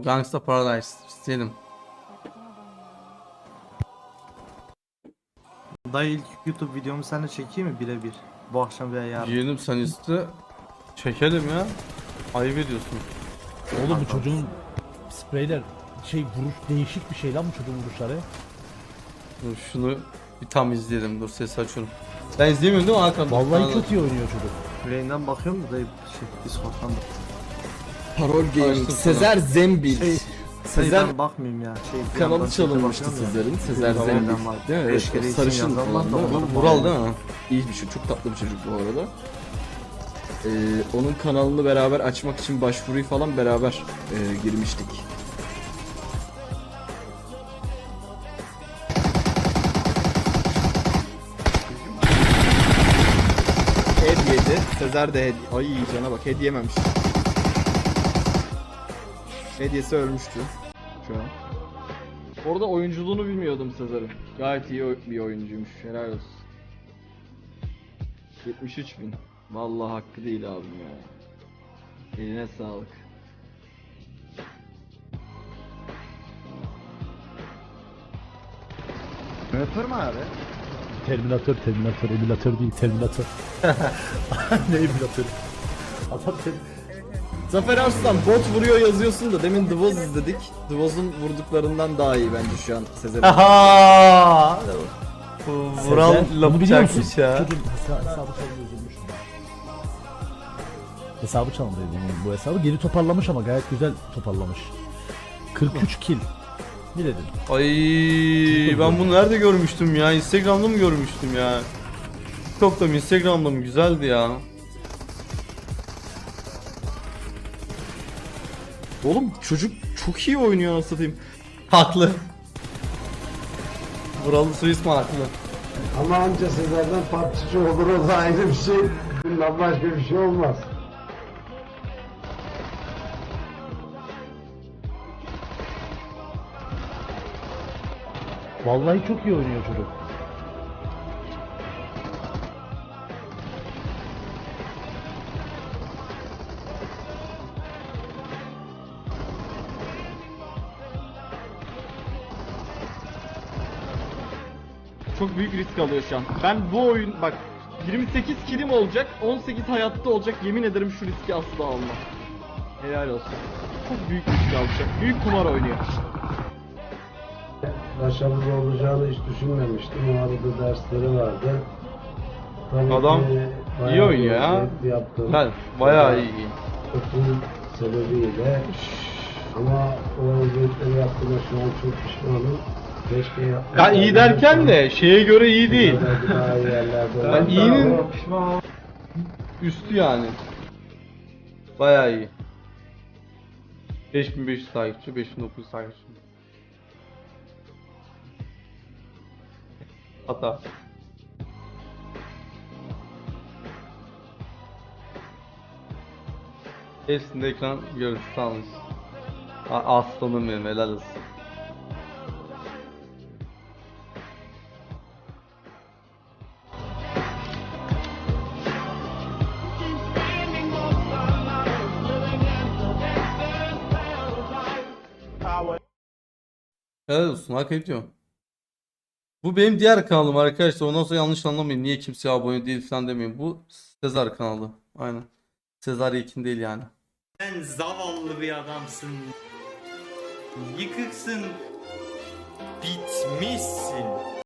Gangsta Paradise istedim. Dayı ilk YouTube videomu seninle çekeyim mi birebir? Bu akşam veya yarın. Yeğenim sen iste. Çekelim ya. Ayıp ediyorsun. Oğlum bu çocuğun spreyler vuruş değişik bir şey lan bu çocuğun vuruşları. Dur şunu bir tam izleyelim. Dur ses açıyorum. Ben izleyemiyorum değil mi Hakan? Vallahi çok iyi oynuyor çocuk. Yüreğinden bakıyorum da dayı Discord'dan da. Parol Gaming, Açtım Sezer Zembil. Sezer Sezer bakmayayım ya. Bir kanalı yandan çalınmıştı bakıyorum ya. Sezer'in. Sezer Tamam, Zembil. tamam. Değil mi? Beş Evet, kere o isim sarışın yazan var da olan, değil mi? onu- Vural değil mi? İyi bir çocuk, çok tatlı bir çocuk bu arada. Onun kanalını beraber açmak için başvuruyu falan beraber girmiştik. Head yedi. Sezer de head. Ay cana bak, head yememiş. Hediyesi ölmüştü şu an. Orada oyunculuğunu bilmiyordum Sezer'in. Gayet iyi bir oyuncuymuş. Helal olsun. 73.000. Vallahi hakkı değil abim ya. Eline sağlık. Öpür mü abi? Terminator, emülatör değil, Terminator. Ne emülatör? Adam Zafer Arslan bot vuruyor yazıyorsun da demin The Woz izledik. The Woz'un vurduklarından daha iyi bence şu an Sezer'in. Aha! Vural Sezer, bunu lafı biliyor musun? çakmış ya. Çocuğun hesabı çalındı, üzülmüş. Hesabı çalındı bu hesabı. Geri toparlamış ama gayet güzel toparlamış. 43 kill. Ne dedin? Ay ben bunu nerede görmüştüm ya? Instagram'da mı görmüştüm ya? TikTok'ta mı Instagram'da mı? Güzeldi ya. Oğlum çocuk çok iyi oynuyor nasıl satayım. Haklı. Vural'ın soy ismi haklı. Ama anca Sezer'den partçı olur, o da ayrı bir şey. Bundan başka bir şey olmaz. Vallahi çok iyi oynuyor çocuk. Çok büyük risk alıyor şu an. Ben bu oyun bak 28 kilim olacak, 18 hayatta olacak. Yemin ederim şu riski asla almam. Helal olsun. Çok büyük risk alacak. Büyük kumar oynuyor. Başarılı olacağını hiç düşünmemiştim. O arada dersleri vardı. Tabii Adam ki bayağı iyi oynuyor ya. eziyet yaptım. Ben bayağı iyi. Okul sebebiyle. Ama o eziyetleri yaptığıma şu an çok pişmanım. Keşke yapmasaydım. Ya iyi derken de şeye göre iyi değil. Daha iyi yerlerde Ben olsam. iyinin üstü yani. Bayağı iyi. 5500 takipçi, 5900 takipçi. Hata. Hepsinde ekran görüntüsü almış. Aslanım benim, helal olsun. Helal olsun, hak ediyor. Bu benim diğer kanalım arkadaşlar. Ondan sonra yanlış anlamayın. Niye kimseye abone değil falan demeyin. Bu Sezar kanalı. Aynen. Sezar Yekin değil yani. Sen zavallı bir adamsın. Yıkıksın. Bitmişsin.